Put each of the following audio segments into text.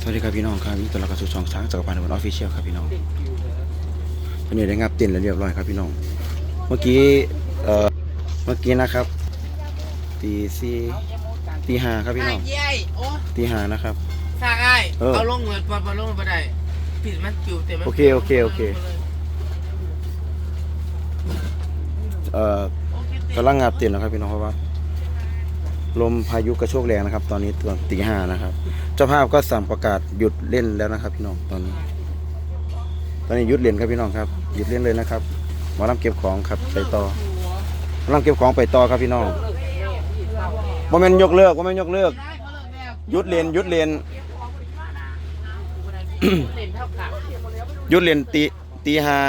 วัสดีครับพี่น้องครับนี่ตัวเรากระสุนช่องช้างจักรพันธ์บนออฟฟิเชียลครับพี่น้องวันนี้ได้งับเต้นแล้วเรียบร้อยครับพี่น้องเมื่อกี้นะครับตีสี่ตีห้าครับพี่น้องตีห้านะครับสร้างไอ้เอาลงเหมือนปอนลงมาได้ผิดมันจิ๋วเต็มโอเคกำลังงับเต้นนะครับพี่น้องเพราะว่าลมพายุกระโชกแรงนะครับตอนนี้ตอนตีห้านะครับเจ้าภาพก็สั่งประกาศหยุดเล่นแล้วนะครับพี่น้องตอนนี้หยุดเล่นครับพี่น้องครับหยุดเล่นเลยนะครับหมอลำเก็บของครับไปต่อหมอลำเก็บของไปต่อครับพี่น้องบ่แม่นยกเลิกหยุดเล่นหยุดเล่นตีห้า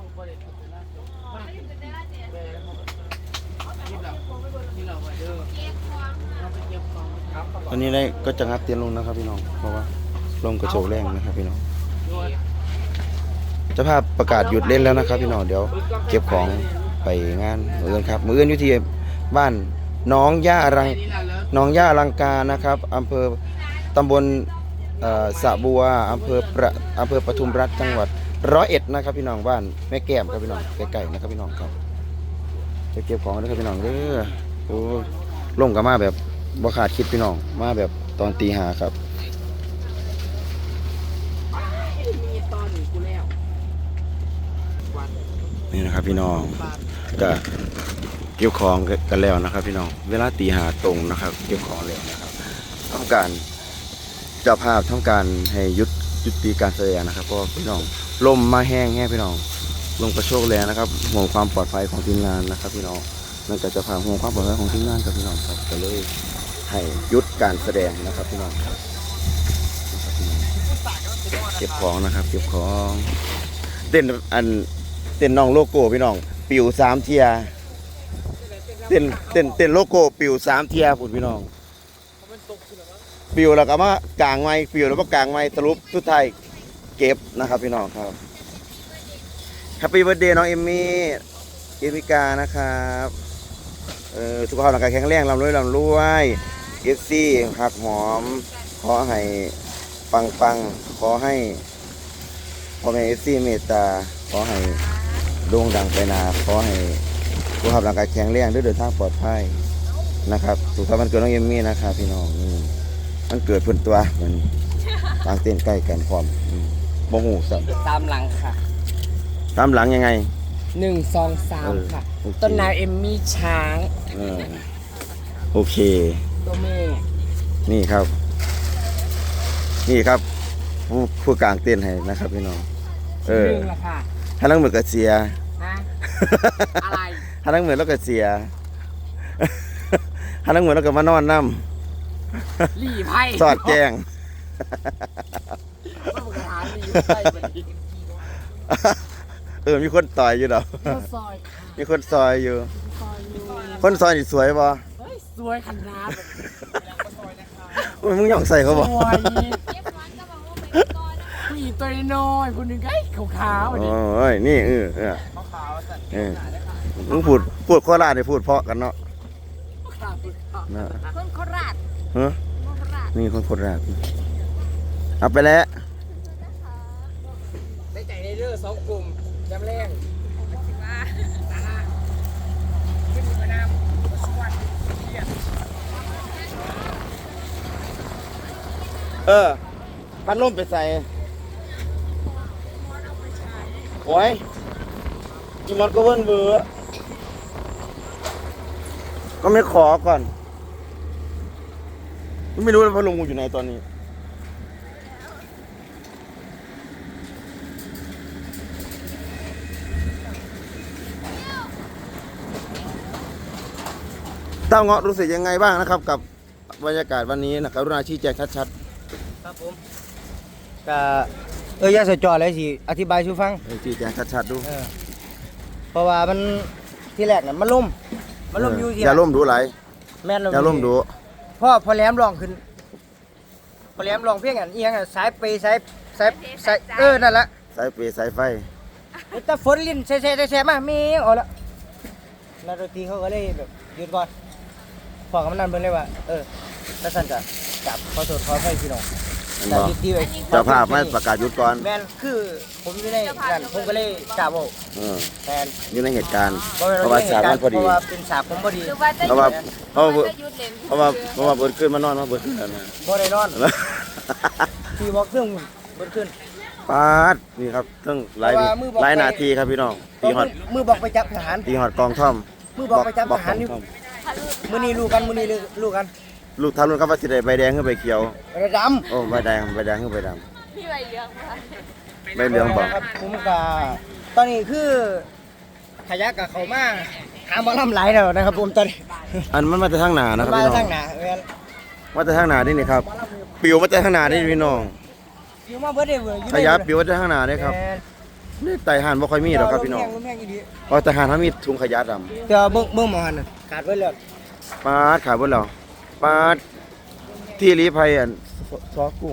ตอนนี้ได้ก็จะงับเตียนลงนะครับพี่น้องเพราะว่าลมกระโชกแรงนะครับพี่น้องเจ้าภาพประกาศหยุดเล่นแล้วนะครับพี่น้องเดี๋ยวเก็บของไปงานมื้ออื่นครับมื้ออื่นอยู่ที่บ้านน้องย่าลังกานะครับอำเภอตำบลสะบัวอำเภอปทุมรัฐจังหวัด101นะครับพี่น้องบ้านแม่แก้มครับพี่น้องใกล้ๆนะครับพี่น้องครับจะเก็บของนะครับพี่น้องเด้อโอ้ลงกับมาแบบบ่ขาดคิดพี่น้องมาแบบตอนตีห้าครับนี่นะครับพี่น้องก็เก็บของกันแล้วนะครับพี่น้องเวลาตีห้าตรงนะครับเก็บของแล้วนะครับต้องการเจ้าภาพต้องการให้ยุติการแสดงนะครับเพราะพี่น้องลมมาแห้งพี่น้องลมกระโชกแรงนะครับห่วงความปลอดภัยของทีมงานนะครับพี่น้องนั่นก็จะพาห่วงความปลอดภัยของทีมงานกับพี่น้องครับก็เลยให้หยุดการแสดงนะครับพี่น้องครับเก็บของนะครับเก็บของเต้นน้องโลโก้พี่น้องปิว3 เทียเต้นโลโก้ปิว3 เทียพุ่นพี่น้องปิวแล้วก็มากลางไม้ปิวแล้วก็กลางไม้สรุปสุดท้ายเก็บนะครับพี่น้องครับแฮปปี้เบิร์ธเดย์น้องเอมิกานะครับสุขภาพร่างกายแข็งแรงร่ำรวยเอฟซีหักหอมขอให้ปังขอให้พ่อแม่เอฟซีเมตตาขอให้โด่งดังไปนาขอให้สุขภาพร่างกายแข็งแรงเดินทางปลอดภัยนะครับสุขภาพมันเกิดน้องเอมมี่นะครับพี่น้องมันเกิดพื้นตัวเหมือนต่างเต้นใกล้กันพร้อมบ่หูสัมตามหลังค่ะตามหลังยังไง 1 2 3ค่ะต้นนายเอมมี่ช้างโอเคตัวแม่นี่ครับผู้กลางเต้นให้นะครับพี่น้องละค่ะถ้านั่งเหมือนกับเสียอะไรถ้านั่งเหมือนแล้วก็เสียถ้านั่งเหมือนแล้วก็มานอนน้ำหลี่ไพ่สอดแจ้งมีคนต่อยอยู่ดอกมีคนซอยอยู่คนซอยนี่สวยป่ะสวยขนาดมึงอยากใส่เขาบอกผู้หญิงตัวน้อยคนหนึ่งไอ้ขาวๆโอ้ยนี่มึงพูดโคราชได้พูดเพาะกันเนาะคนโคราชนี่คนโคราชเอาไปแล้วได้ใจในเรื่อง2 กลุ่มจำแรงพัดลมไปใส่โอ้ยกินมันก็เบิ้ลเบื่อก็ไม่ขอก่อนไม่รู้ว่าพัดลมกูอยู่ไหนตอนนี้เต้าเงาะรู้สึกยังไงบ้างนะครับกับบรรยากาศวันนี้นะครับรุณาชี้แจงชัดๆครับผมก็ยาสจอเลยสิอธิบายชูฟังชี้แจงชัดๆดูเพราะว่ามันที่แรกน่ะมันล่มอยู่ที่อย่าล่มดูไหลแม่นอย่าล่มดูพอแหลมลองขึ้นพอแหลมลองเพียงอันเอียงสายเปสายนั่นแหละสายเปสายไฟแต่ฝนลิ้นแซ่มามีเอาละแล้วดนตรีเขาก็เลยแบบหยุดก่อนพอกับมันนั่นเบิ่งเลยว่าถ้าสั่นจะจับขอโทษขออภัยพี่น้องอันแต่บอกที่ที่ไว้เจ้าภาพไม่ประกาศหยุดก่อนแมนคือผมอยู่ในนั่นผมก็เลยกล่าวว่าเออแมนอยู่ในเหตุการณ์เพราะเพราะว่าฉากมันพอเพดีราะว่าเป็นฉากผมพอดีหรือว่าจะเพราะว่าเพราะว่าจะหยุดเล่นเพราะว่าเบิดขึ้นมานอนมาเบิดขึ้นแล้วนะบ่ได้นอนที่บอกเครื่องเบิดขึ้นปาดนี่ครับตั้งหลายเพราะว่ามือบอกหลายนาทีครับพี่น้องตีฮอดมือบอกไปจับทหารตีฮอดกองท่อมมือบอกไปจับทหารกนี่องท่อมมื้อนี้รู้กันมื้อนี้รู้กันลูกทารุณครับว่าสิได้ใบแดงขึ้นใบเขียวระดโอ้ใบแดงขึ้นใบดพี่ใบเหลืองค่ะำใบเหลืองบอกครับผมก็ตอนนี้คือขยักกับเขามาหาบ่ลำหลายแล้วนะครับผมตอนนี้อันมันมาจากทางหนานะครับมาพี่น้อทาง งหน้าแม่นมาจากทางหนานี่นี่ครับปิวมาจากทางหนานี่พี่น้องอยู่มาเบิดได้เว้ยอยู่ขยับปิวมาจากทางหนานี่ครับแม่นนี่ไต่ห่านบ่ค่อยมีหรอกครับพี่น้องลมแห้งอีหลีเพราะแต่ห่านเขามีถุงขยะดแต่ว่าเบิ่งหมอหันน่ะขาดไว้แล้วำปาดขาบนเราปาดที่รีภัยอันซอกุ้ง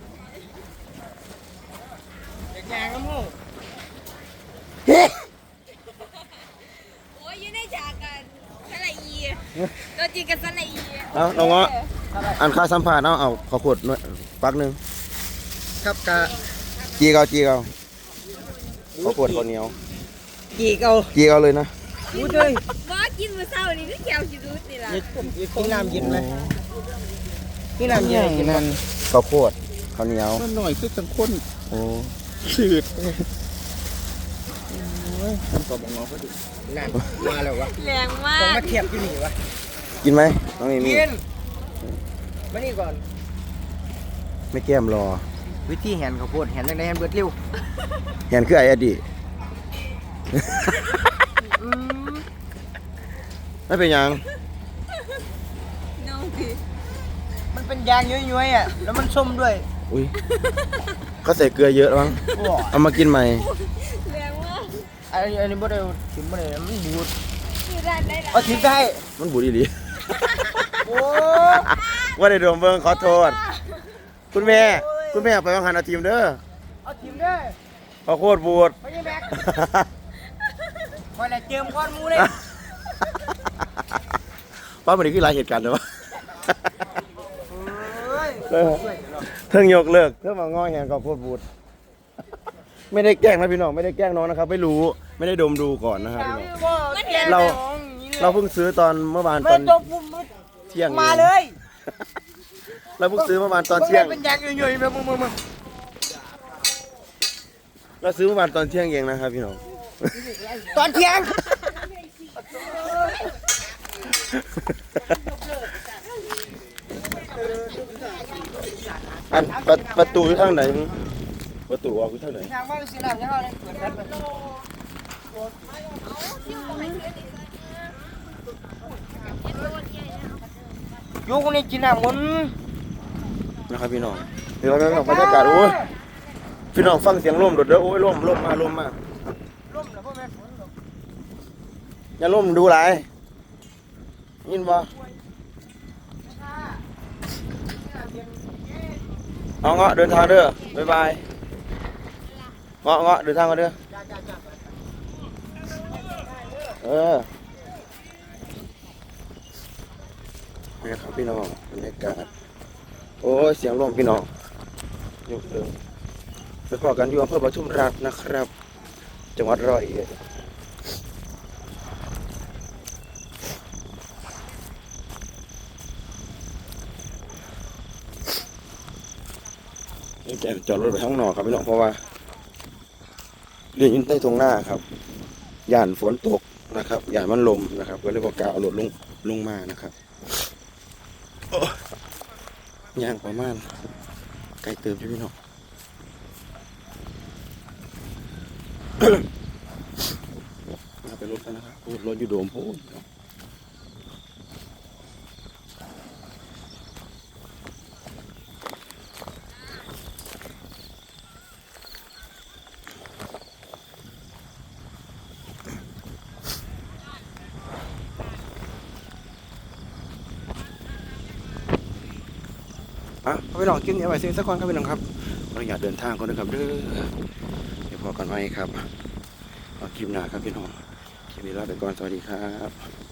เด็กยางน้ำหูโอ้ยอยู่ในฉากกันสละอีตัวจริงกับสละอีเอาน้องเงาะอันค่าสัมภาษณ์เอาขอขวดหน่อยปักหนึงครับกะจีเกาขอขวดข้าวเหนียวกี่เอาจีเกาเลยนะอู้เด้ยว่ากินมื้อเช้านี่คือแก้วสิรู้นี่ล่ะกินน้ำเย็นไหมกินน้ำเย็นกินน้ข้าวโพดข้าวเหนียวมันหน่อยคือจังข้นโอ้ชืดทำตัวบองงอก็ดีำนั่นมาแล้ววะแรงมาต้องกมาเทียบอยู่นี่วะกินไหมน้องเอมี่กินมานี่ก่อนไม่แก้มรอวิธีแหนข้าวโพดแหนจังได๋แหนเบิดเร็วเห็นคือไอ้อดีต ไม่เป็นหยังน้องพี่มันเป็นยางย้อยๆอ่ะแล้วมันส้มด้วยอุ้ยเขาใส่เกลือเยอะมั้งโอ้เอามากินใหม่แรงมากอันนี้บ่ได้ถิ่มบ่ได้มันบูดคือได้ได้เอาถิ่มได้มันบูดอีหลีโอ้ว่าได้โดมเบิ้งขอโทษ คุณแม่ไปวางหันเอาทีมเด้อเอาถิ่มเด้อขอโคตรบูดไปยังแบกคอยละเจิมก้อนหมูเลยป้ามันนี่คือหลายเหตุการณ์เลยวะเฮ้ยเทิงยกเลิกเทิงมางอแหงขอโคตรบูด ไม่ได้แกล้งนะพี่น้องไม่ได้แกล้งน้องนะครับ ไม่รู้ไม่ได้ดมดูก่อนนะครับพี่น้อง เราเพิ่งซื้อตอนเมื่อวานตไม่อนจบปุ๊บเที่ยงมาเลยเราเพิ่งซื้อเมื่อวานตอนเที่ยงเป็นยางย้อยๆแบบมึงเราซื้อเมื่อวานตอนเที่ยงเองนะครับพี่น้องตอนเที่ยงอันประตูอยู่ทางไหนมึงประตูออกอยู่ทางไหนทางบ้านสิน้ำยังเอาเลยเปิดกันอยู่คนนี้กินน้ำมันนะครับพี่น้องเดี๋ยวเราไปบรรยากาศโอ้ยพี่น้องฟังเสียงลมโดดเด้อโอ้ยลมมาร่มแล้วพ่อแม่ฝนตกอย่าลมดูหลายยินบ่เอาเงาะเดินทางเด้อบ๊ายบายเงาะเดินทางกันเด้อนี่ครับพี่น้องบรรยากาศโอ้ยเสียงลมพี่น้องยกเดินไปพอกันอยู่อำเภอปทุมราชนะครับ จังหวัดร้อยเอ็ดนี่แกจอดรถไปข้างนอกครับพี่น้องเพราะว่าเรียนอยู่ใต้ตรงหน้าครับย่านฝนตกนะครับย่านมันลมนะครับก็เลยบอกกล่าวเอารถลงมานะครับโอ้ย่างประมาณไกลเติมใช่พี่น้อง มาไปรถกันนะครับพูดรถอยู่โดมพูดพี่น้องกินเอาไว้สิสักคนครับพี่น้องครับเราอยากเดินทางก่อนนะครับเด้อเดี๋ยวพอกันไว้ครับเอาคลิปหน้าครับพี่น้องคลิปนี้ลาไปก่อนสวัสดีครับ